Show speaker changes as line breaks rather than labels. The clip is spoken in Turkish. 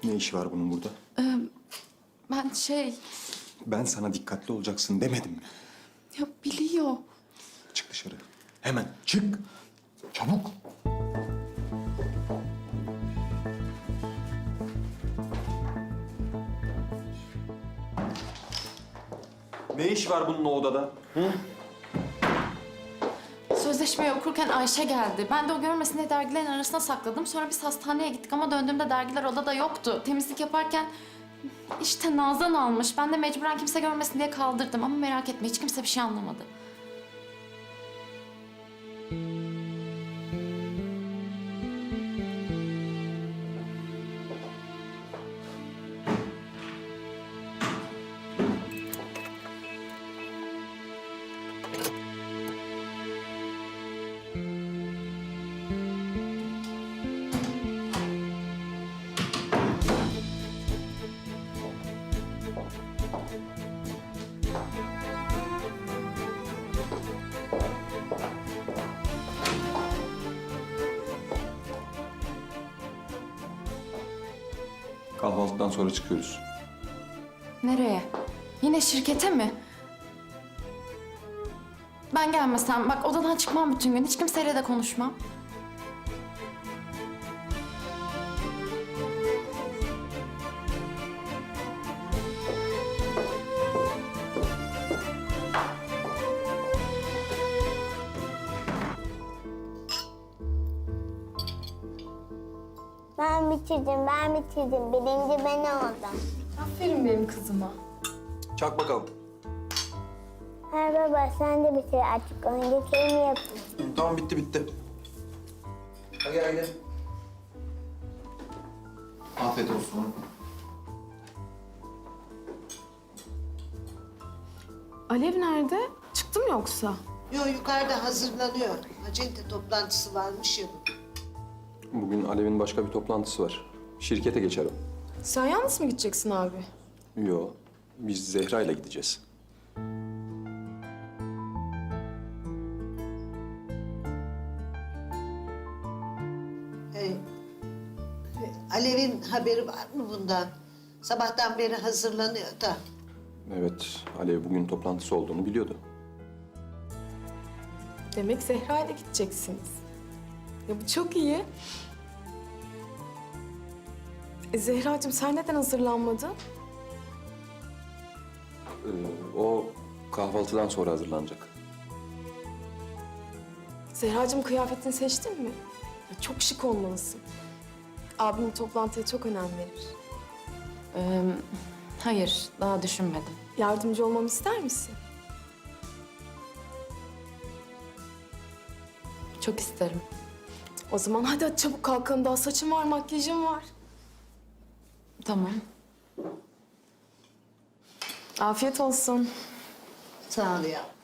Ne işi var bunun burada?
Ben
Ben sana dikkatli olacaksın demedim mi?
Ya biliyor.
Çık dışarı. Hemen çık. Çabuk. Ne iş var bunun o odada?
Sözleşmeyi okurken Ayşe geldi. Ben de o görmesin diye dergilerin arasına sakladım. Sonra biz hastaneye gittik ama döndüğümde dergiler odada yoktu. Temizlik yaparken işte Nazan almış. Ben de mecburen kimse görmesin diye kaldırdım. Ama merak etme hiç kimse bir şey anlamadı.
Kahvaltıdan sonra çıkıyoruz.
Nereye? Yine şirkete mi? Ben gelmesem bak odadan çıkmam bütün gün. Hiç kimseyle de konuşmam.
Ben bitirdim. Birinci ben oldum.
Aferin benim kızıma.
Çak bakalım.
Hayır baba sen de bitir artık. Önce kelime yapın.
Tamam bitti.
Hadi gel. Afiyet olsun.
Alev nerede? Çıktı mı yoksa?
Yok yukarıda hazırlanıyor. Acente toplantısı varmış ya.
Bugün Alev'in başka bir toplantısı var. Şirkete geçer o.
Sen yalnız mı gideceksin abi?
Yo, biz Zehra ile gideceğiz.
Alev'in haberi var mı bundan? Sabahtan beri hazırlanıyor da.
Evet, Alev bugün toplantısı olduğunu biliyordu.
Demek Zehra ile gideceksiniz. Ya bu çok iyi. Zehracığım sen neden hazırlanmadın?
O kahvaltıdan sonra hazırlanacak.
Zehracığım kıyafetini seçtin mi? Ya çok şık olmalısın. Abim toplantıya çok önem verir.
Hayır daha düşünmedim.
Yardımcı olmamı ister misin?
Çok isterim.
O zaman hadi çabuk kalkalım. Daha saçım var, makyajım var.
Tamam.
Afiyet olsun.
Sağ ol ya.